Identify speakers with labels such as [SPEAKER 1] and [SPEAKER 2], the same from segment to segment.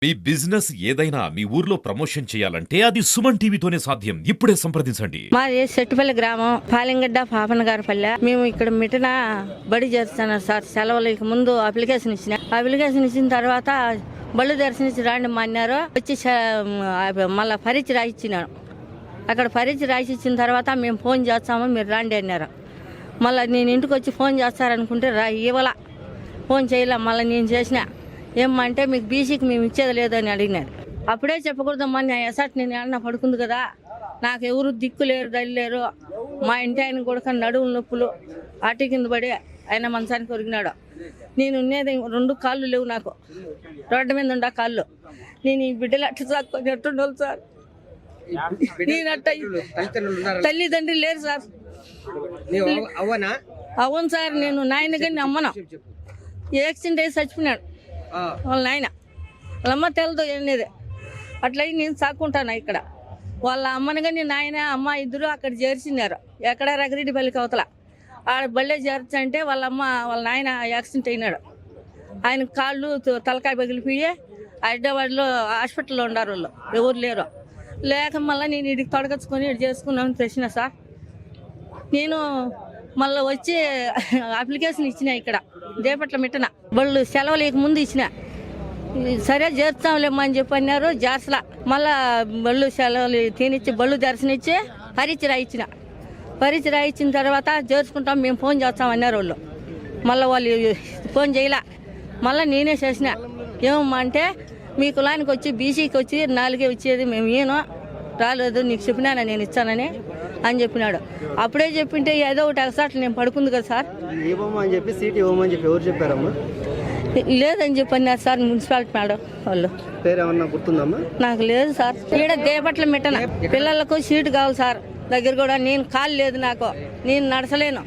[SPEAKER 1] మీ business ఏదైనా మీ ఊర్లో promotion చేయాలంటే అది సుమన్ టీవీతోనే సాధ్యం. ఇప్పుడే సంప్రదించండి.
[SPEAKER 2] మాది సెట్టుపల్లి గ్రామం, పాలింగడ్డ పాపనగారిపల్లె. మేము ఇక్కడ మిటన బడి చేస్తున్నాం సార్. సెలవులకి ముందు అప్లికేషన్ ఇచ్చిన తర్వాత బళ్ళు దర్శనించి రాండి అన్నారు. వచ్చి మళ్ళీ పరీక్ష రాయించినాను. అక్కడ పరీక్ష రాసిచ్చిన తర్వాత మేము ఫోన్ చేస్తాము, మీరు రాండి అన్నారు. మళ్ళీ నేను ఇంటికి వచ్చి ఫోన్ చేస్తారనుకుంటే ఇవ్వాల, ఫోన్ చేయలే. మళ్ళీ నేను చేసిన ఏమంటే మీకు బీసీకి మేము ఇచ్చేది లేదని అడిగినారు. అప్పుడే చెప్పకూడదమ్మా, నా ఎసట్ నేను ఏమన్నా పడుకుంది కదా, నాకు ఎవరు దిక్కు లేరు, దళి లేరు. మా ఇంటి ఆయన కూడా నడువులు నొప్పులు, అటు కింద పడి ఆయన మంచానికి ఒరిగినాడు. నేను ఉన్నది 2 కాళ్ళు లేవు నాకు, రోడ్డు మీద ఉండ కాళ్ళు. నేను ఈ బిడ్డలు అట్టు సాక్కొని ఎట్టుండాలి సార్. నేను అట్ట తల్లిదండ్రి లేరు సార్. అవును సార్, నేను నాయన కానీ అమ్మను. యాక్సిడెంట్ అయ్యి చచ్చిపోయినాడు వాళ్ళ నాయన. వాళ్ళ అమ్మ తెలదు అనేది. అట్లా నేను సాక్కుంటాను ఇక్కడ. వాళ్ళ అమ్మని కానీ నాయన అమ్మ ఇద్దరు అక్కడ చేర్చినారు. ఎక్కడ రగిరెడ్డిపల్లికి అవతల ఆడ బళ్ళే చేర్చంటే వాళ్ళ అమ్మ వాళ్ళ నాయన యాక్సిడెంట్ అయినాడు. ఆయన కాళ్ళు తలకాయ పగిలిపోయి హైదరాబాద్లో హాస్పిటల్లో ఉండారు. వాళ్ళు ఎవరు లేరు. లేక మళ్ళీ నేను ఇడికి తొడగచ్చుకొని ఇటు చేసుకున్నామని తెచ్చిన సార్. నేను మళ్ళీ వచ్చి అప్లికేషన్ ఇచ్చిన ఇక్కడ దేపట్ల మిట్టన. బళ్ళు సెలవులకు ముందు ఇచ్చిన. సరే చేర్చాంలేమ్మా అని చెప్పి అన్నారు. జార్సలా మళ్ళా బళ్ళు సెలవులు తినిచ్చి బళ్ళు దర్శనిచ్చి పరీక్ష రాయించిన తర్వాత చేర్చుకుంటాం, మేము ఫోన్ చేస్తామన్నారు వాళ్ళు. మళ్ళీ వాళ్ళు ఫోన్ చేయలే. మళ్ళీ నేనే చేసిన. ఏమమ్మా అంటే మీ కులానికి వచ్చి బీసీకి వచ్చి 4 వచ్చేది, మేము ఏనో రాలేదు, నీకు చెప్పినానా నేను ఇచ్చానని అని చెప్పినాడు. అప్పుడే చెప్పింటే ఏదో ఒకటి ఎగసాట్లు నేను పడుకుంది కదా సార్. లేదని చెప్పి అన్నారు సార్ మున్సిపాలిటీ మేడం వాళ్ళు. నాకు లేదు సార్. ఈడ దేపట్ల మిట్టన పిల్లలకు సీటు కావాలి సార్. దగ్గర కూడా నేను కాలు లేదు, నాకు నేను నడచలేను.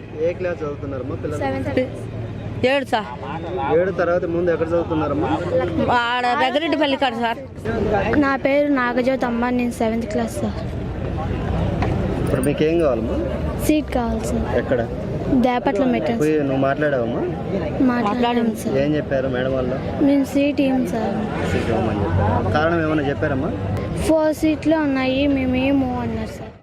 [SPEAKER 2] 7 సార్.
[SPEAKER 3] 7 తర్వాత ముందు ఎక్కడ చదువుతున్నారమ్మా?
[SPEAKER 2] ఆడ రగిరెడ్డిపల్లి కాదు సార్.
[SPEAKER 4] నా పేరు నాగజ్యోతి అమ్మ, నేను 7th క్లాస్ సార్.
[SPEAKER 3] ఇప్పుడు మీకు ఏం కావాలమ్మా?
[SPEAKER 4] సీట్ కావాలి సార్.
[SPEAKER 3] ఎక్కడ?
[SPEAKER 4] దేపట్ల మెట్రో.
[SPEAKER 3] నువ్వు మాట్లాడావమ్మా?
[SPEAKER 4] మాట్లాడాము సార్.
[SPEAKER 3] ఏం చెప్పారు మేడం వాళ్ళు?
[SPEAKER 4] మేము సీట్ ఇవ్వం సార్.
[SPEAKER 3] సీట్ ఇవ్వమని చెప్పారు. కారణం ఏమైనా చెప్పారమ్మా?
[SPEAKER 4] 4 సీట్లు ఉన్నాయి, మేము ఏమో అన్నారు సార్.